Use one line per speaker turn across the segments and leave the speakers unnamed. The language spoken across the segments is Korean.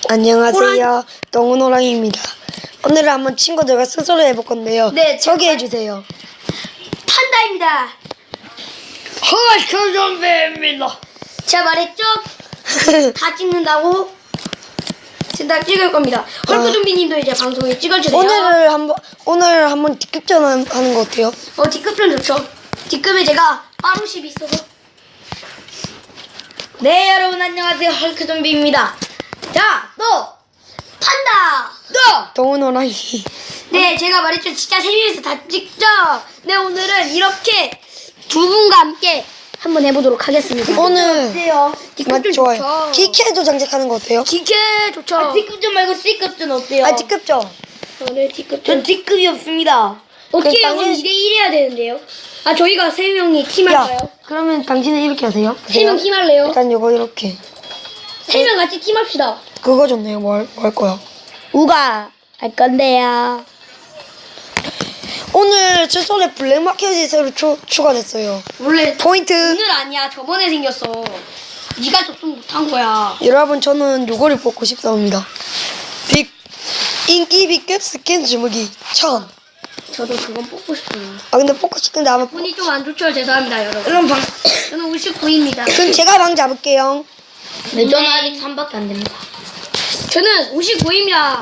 안녕하세요. 동훈호랑이입니다. 오늘은 한번 친구들과 스스로 해볼 건데요.
네,
소개해주세요.
판다입니다.
헐크 좀비입니다.
제가 말했죠? 다 찍는다고? 지금 다 찍을 겁니다. 헐크 좀비님도 이제 방송에 찍어주세요.
오늘 한번 뒷급전 하는 거 어때요?
뒷급전 좋죠. 뒷급에 제가 빠루십이 있어서. 네, 여러분 안녕하세요. 헐크 좀비입니다. 자, 또 판다. 또
동훈호랑이.
네, 제가 말했죠. 진짜 세 명이서 다 찍죠. 네, 오늘은 이렇게 두 분과 함께 한번 해보도록 하겠습니다.
오늘
어때요? 뒷급전
좋아요.
좋죠.
기캐도 장착하는 거 어때요?
기캐 좋죠.
D급전 말고 C급전 어때요?
뒷급전.
네, 뒷급전.
전 D급이 없습니다.
어떻게
그럼
하면
당신-
2대1 해야 되는데요? 저희가 세 명이 팀할까요?
그러면 당신은 이렇게 하세요.
세 명 팀할래요?
일단 요거 이렇게.
세 명 같이 팀합시다.
그거 좋네요. 뭐 할 거야?
우가 할 건데요.
오늘 칫솔에 블랙마켓이 새로 추가됐어요.
원래
포인트.
오늘 아니야. 저번에 생겼어. 네가 접속 못한 거야.
여러분 저는 요거를 뽑고 싶습니다. 인기 B급 스킨 주무기 1000.
저도 그건 뽑고 싶어요.
근데 뽑고 싶은데 아마
분이 좀 안 좋죠. 죄송합니다, 여러분.
그럼
저는 59입니다.
그럼 제가 방 잡을게요.
네, 저는 아직 3밖에 안 됩니다.
저는 59입니다.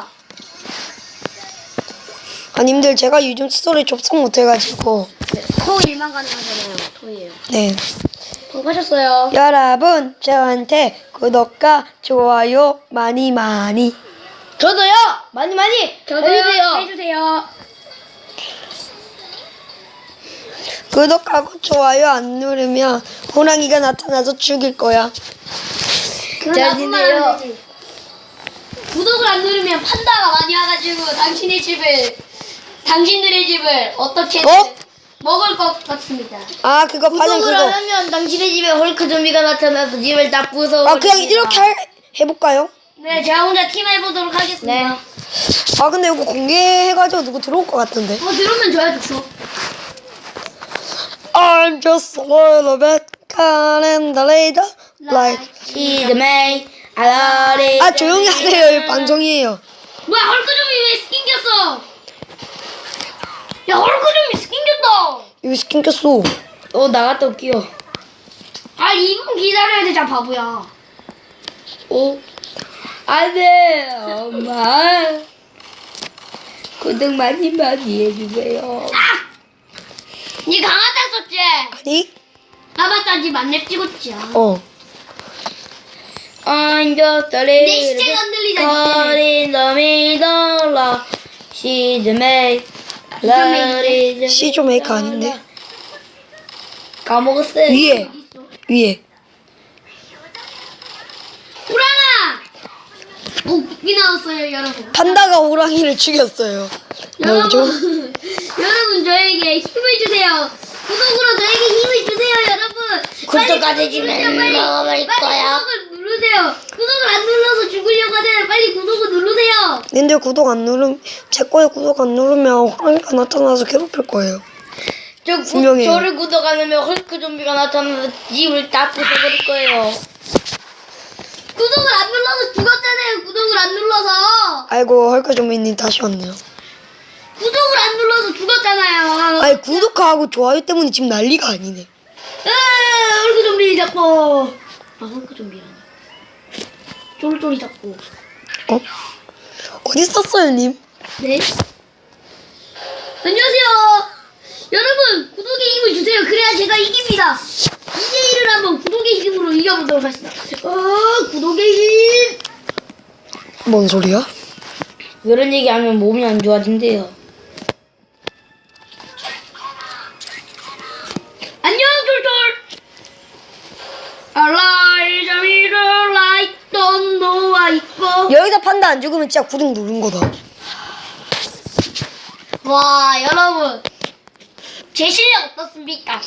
님들 제가 요즘 칫솔에 접속 못해가지고
토일만 가능하잖아요. 토일.
네.
통과하셨어요.
여러분 저한테 구독과 좋아요 많이
저도요! 많이 해주세요.
해주세요.
구독하고 좋아요 안 누르면 호랑이가 나타나서 죽일 거야.
그건
잘
나뿐만
지내요.
안 되지. 구독을 안 누르면 판다가 많이 와가지고 당신들의 집을 어떻게든
어?
먹을 것 같습니다.
그거 파는
구독을 안
그거.
하면 당신의 집에 헐크 좀비가 나타나서 집을 다 부숴버립니다.
그냥 이렇게 해볼까요?
네, 제가 혼자 팀 해보도록 하겠습니다.
네.
근데 이거 공개해가지고 누구 들어올 것 같은데.
들으면 좋아요, 좋죠.
I'm just a little bit caught in the radar like.
She's made a lot
조용히 하세요. 이 방송이에요.
뭐야, 헐크좀이 왜 스킨 꼈어? 야, 헐크좀이 스킨 꼈다.
이거 스킨 꼈어.
나갔다 올게요.
2분 기다려야 되잖아, 바보야.
안 돼, 엄마. 구독 많이 해주세요.
니 강아지 썼지?
아니?
맞다, 니 만렙 찍었지.
I'm just a
내
little
시체가 흔들리잖아.
caught in the middle of she's made a lot
시조 메이커 아닌데?
까먹었어요.
위에.
호랑아! 이 나왔어요, 여러분.
판다가 호랑이를 죽였어요. 뭐죠?
여러분, 저에게 힘을 주세요. 구독으로 저에게 힘을 주세요, 여러분.
구독 안
빨리
해주면
빨리
먹어버릴 거야.
구독을 누르세요. 구독을 안 눌러서 죽으려고 하잖아요. 빨리 구독을 누르세요.
근데 구독 안 누르면 제 거에 구독 안 누르면 호랑이가 나타나서 괴롭힐 거예요. 분명해요.
저를 구독 안 하면 헐크 좀비가 나타나서 집을 다 부숴버릴 거예요.
구독을 안 눌러서 죽었잖아요. 구독을 안 눌러서.
아이고 헐크 좀비님 다시 왔네요.
구독을 안 눌러서 죽었잖아요.
아니 구독하고 좋아요 때문에 지금 난리가 아니네.
헐크 좀비 잡고. 헐크 좀비라니. 쫄쫄이 잡고.
어디 있었어요 님?
네. 안녕하세요. 여러분, 구독의 힘을 주세요. 그래야 제가 이깁니다. 2대1을 한번 구독의 힘으로 이겨보도록 하겠습니다. 구독의 힘.
뭔 소리야?
이런 얘기하면 몸이 안 좋아진대요.
안녕, 쫄쫄. 알라이자미를 라이던 노아 있고.
여기다 판다 안 죽으면 진짜 구독 누른 거다.
와, 여러분. 제 실력 어떻습니까?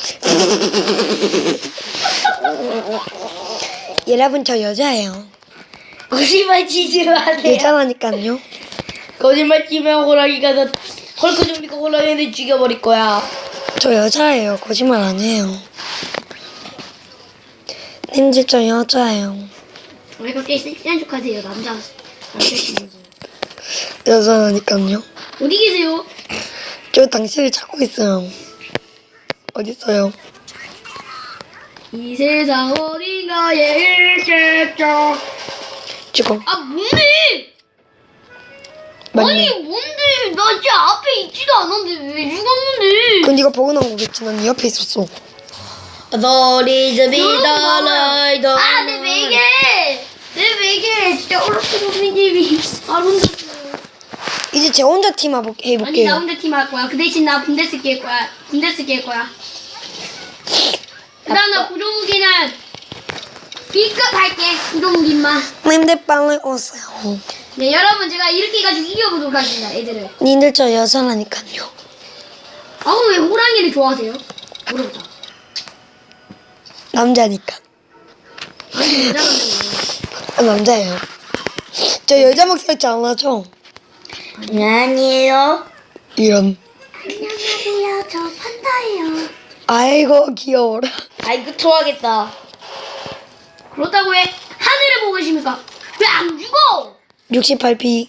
여러분 저 여자예요.
거짓말 치지 마세요.
여자라니까요.
거짓말 치면 헐크 좀비가 호랑이를 죽여버릴 거야.
저 여자예요. 거짓말 안 해요. 님들 저 여자예요.
왜 갑자기 섹시한 척 하세요, 남자?
여자니까요.
어디 계세요?
저 당신을 찾고 있어요. 어디 있어요?
이 세상 어딘가에 있겠죠.
지금
아 뭔데?
맞네.
아니 뭔데? 나 진짜 앞에 있지도 않았는데 왜 죽었는데?
그건 네가 보고 나온 거겠지. 난 네 옆에 있었어.
Authorities be the light of
아내 베개! 내 베개 진짜 어렵게 아 혼자
이제 제 혼자 팀
아니
해볼게요.
나 혼자 팀 할 거야. 그 대신 나 분데스키 할 거야. 분데스키 할 거야. 그다음 나 구조무기는 B급 할게. 구조무기만.
님들 빨리 오세요.
네 여러분 제가 이렇게 해가지고 이겨보도록 하겠습니다. 애들을.
님들 저 여자라니까요.
아우 왜 호랑이를 좋아하세요? 물어보자.
남자니까.
아니 여자라는
아, 남자예요. 저 여자 목소리 잘 나죠?
아니에요.
이런.
안녕하세요. 저 판다예요.
아이고 귀여워라.
아이고 좋아하겠다.
그렇다고 해 하늘을 보고 계십니까? 왜 안 죽어?
68p.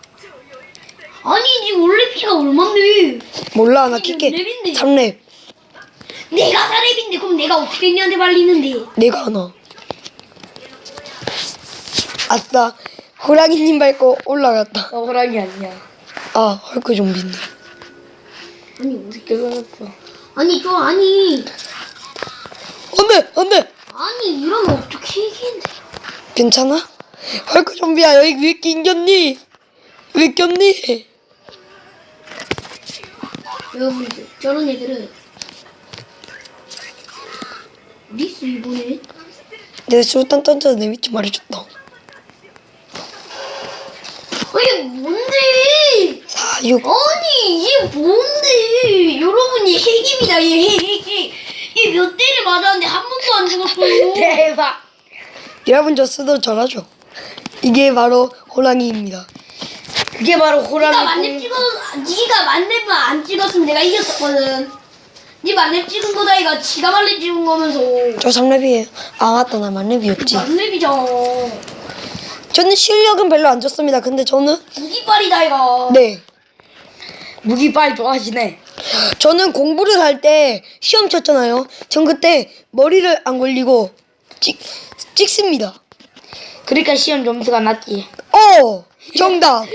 아니 니 원래 피가 얼만데?
몰라 나
이게
킬게.
몇 렙인데?
3렙.
내가 4렙인데 그럼 내가 어떻게 니한테 말리는데?
내가 하나. 아싸. 호랑이님 밟고 올라갔다.
호랑이 아니야.
아 헐크 좀비네.
아니 어디?
그거였어.
아니 저 아니
안돼 안돼.
아니 이러면 어떻게 이기는데?
괜찮아? 헐크 좀비야 여기 왜 낑겼니? 왜 꼈니?
여러분들 저런 애들은 어디 있어 이번에?
내가 술탄 던져서 내 위치 말해줬다.
아니 뭔데?
4, 6.
아니 이게 뭔데? 여러분이 핵입니다 얘 핵. 얘몇 대를 맞았는데 한 번도 안 죽었어요.
대박.
여러분 저 스도 잘하죠? 이게 바로 호랑이입니다.
그게 바로
네가
호랑이.
만렙 네가 만렙만 안 찍었으면 내가 이겼었거든. 네 만렙 찍은 거다 이가 지가 만렙 찍은 거면서
저 3렙이에요. 아 맞다 나 만렙이었지.
만렙이잖아.
저는 실력은 별로 안 좋습니다. 근데 저는
무기빨이다 이가.
네
무기빨 좋아하시네.
저는 공부를 할 때 시험 쳤잖아요. 전 그때 머리를 안 걸리고 찍습니다.
그러니까 시험 점수가 낮지.
정답.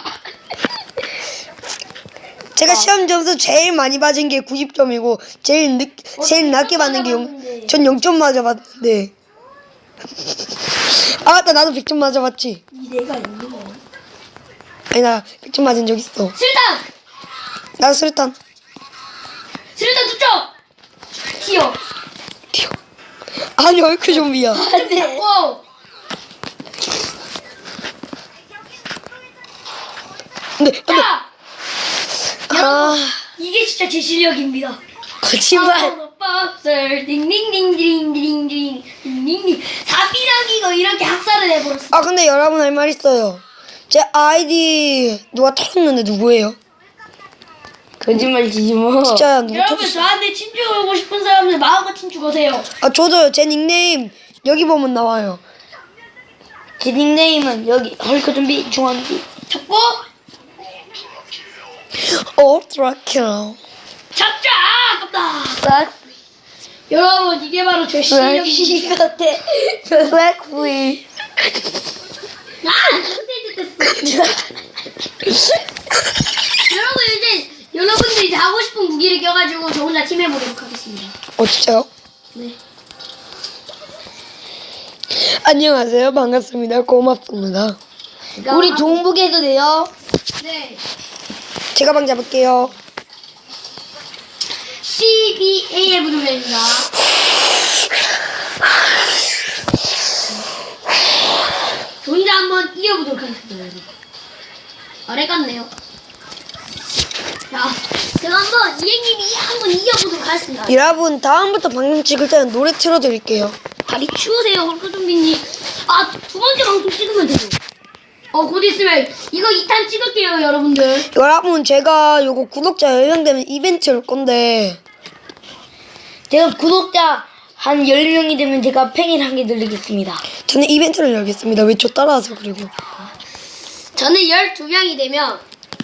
제가 시험 점수 제일 많이 맞은 게 90점이고 제일 낮게 받는 게 전 0점 맞아봤는데. 아 맞다 나도 100점 맞아봤지.
이 내가 있는 거.
아니 나 100점 맞은 적 있어.
술탄.
나 술탄
술탄 투척. 튀어.
튀어. 아니 얼크 좀비야.
안돼.
오.
안돼 안돼.
자.
아
이게 진짜 제 실력입니다.
거짓말.
박스 딩딩딩딩딩딩딩 딩딩 사비라기가 이렇게 학살을 해버렸어.
아 근데 여러분 할 말 있어요. 제 아이디 누가 털었는데 누구예요?
거짓말 치지 마.
진짜 누가
여러분
털었어?
저한테 친추 걸고 싶은 사람들 마음껏 친추 거세요.
아 저도요. 제 닉네임 여기 보면 나와요.
제 닉네임은 여기 헐크 좀비 중앙비.
잡고
드라큘라.
잡자. 아깝다.
싹.
여러분 이게 바로 제 실력입니다.
같아. 블랙프리.
아 스테이지 됐어. 여러분들 이제 하고 싶은 무기를 껴가지고 저 혼자 팀 해보도록 하겠습니다.
진짜요?
네.
안녕하세요. 반갑습니다. 고맙습니다.
우리 종북 해도 돼요?
네.
제가 방 잡을게요.
CBA의 부동산입니다. 저 혼자 한번 이겨보도록 하겠습니다. 여러분. 아래 같네요. 자, 제가 한번 이행님이 한번 이겨보도록 하겠습니다.
여러분 다음부터 방송 찍을 때는 노래 틀어드릴게요.
다리 추우세요, 헐크좀비님. 아, 두 번째 방송 찍으면 되죠. 곧 있으면 이거 2탄 찍을게요, 여러분들.
여러분 제가 요거 구독자 10명 되면 이벤트 올 건데
제가 구독자 한 10명이 되면 제가 팽이를 한 개 늘리겠습니다.
저는 이벤트를 열겠습니다. 왜 저 따라와서 그리고
저는 12명이 되면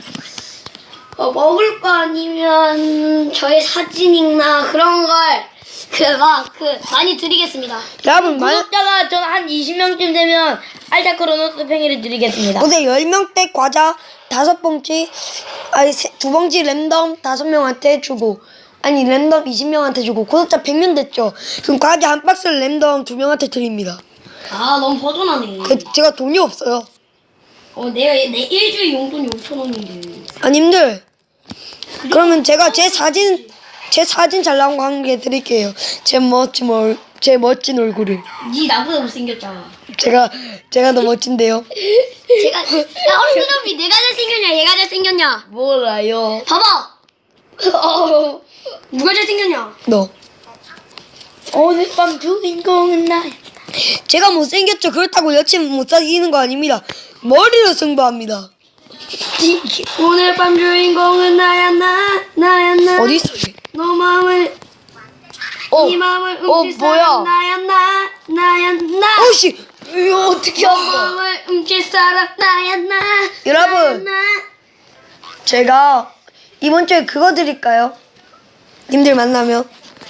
먹을 거 아니면 저의 사진이나 그런 걸 많이 드리겠습니다.
여러분
구독자가 전 한 20명쯤 되면 알자 크로노스 팽이를 드리겠습니다.
어제 10명대 과자 5봉지 아니 2봉지 랜덤 5명한테 주고 아니 랜덤 20명한테 주고 구독자 100명 됐죠. 그럼 과자 한 박스를 랜덤 2명한테 드립니다.
아 너무 버전하네.
제가 돈이 없어요.
내가 내 일주일 용돈이 5,000원인데.
아님들 그러면 제가 제 사진 잘 나온 거 한 개 드릴게요. 제 멋진 얼굴을.
니 나보다 못생겼잖아.
제가 더 멋진데요.
야 어른 그놈이 내가 잘생겼냐 얘가 잘생겼냐.
몰라요.
봐봐. 누가 잘생겼냐.
너.
오늘 밤 주인공은 나야.
제가 못생겼죠. 그렇다고 여친 못 사귀는 거 아닙니다. 머리로 승부합니다.
오늘 밤 주인공은 나야 나.
어디 있어? 얘?
너 마음을 이 마음을 훔칠
뭐야?
사람 나야 나.
어씨.
이거 어떻게
너 마음을 훔칠 사람 나야 나.
여러분.
나야, 나.
제가 이번 주에 그거 드릴까요? 님들 만나면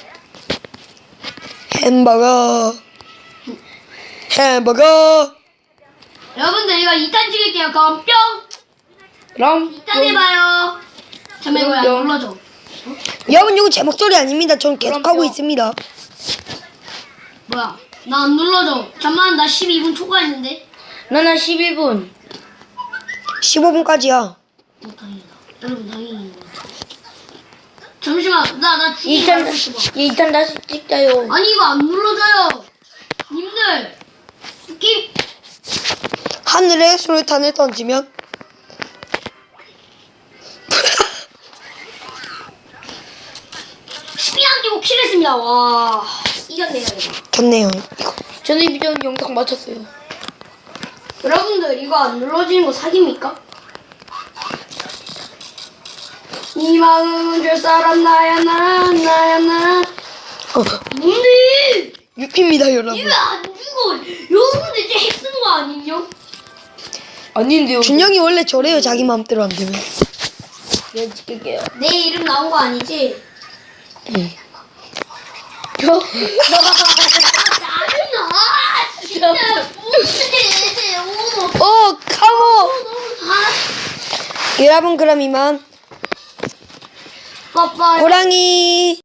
햄버거.
여러분들 이거 2탄 찍을게요. 그럼 뿅.
그럼
2탄 해봐요. 잠깐만 이거 안 눌러줘.
여러분 이거 제 목소리 아닙니다. 전 계속 하고
그럼요.
있습니다.
뭐야? 나 안 눌러줘. 잠만 나 12분 초과했는데.
나는 11분.
15분까지야.
다행이다. 여러분 다행이다. 잠시만 나 지금
2탄
알고 있어 봐.
2탄 다시 찍자요.
아니 이거 안 눌러져요. 님들 게임
하늘에 수류탄을 던지면
안 끼고 킬했습니다. 와 이겼네요 이거.
좋네요. 이거.
저는 이 비디오 영상 마쳤어요.
여러분들 이거 안 눌러지는 거 사기입니까? 이 마음은 줄 사람 나야 나. 뭔데?
유피입니다 여러분.
이거 안 죽어. 여러분들 이제 핵 쓰는 거 아니냐?
아닌데요.
준영이 원래 저래요. 자기 마음대로 안 되면.
네, 찍을게요.
내 이름 나온 거 아니지?
응.
짜증나. 진짜 뭔데?
카모. 여러분 그럼 이만
빠빠이.
호랑이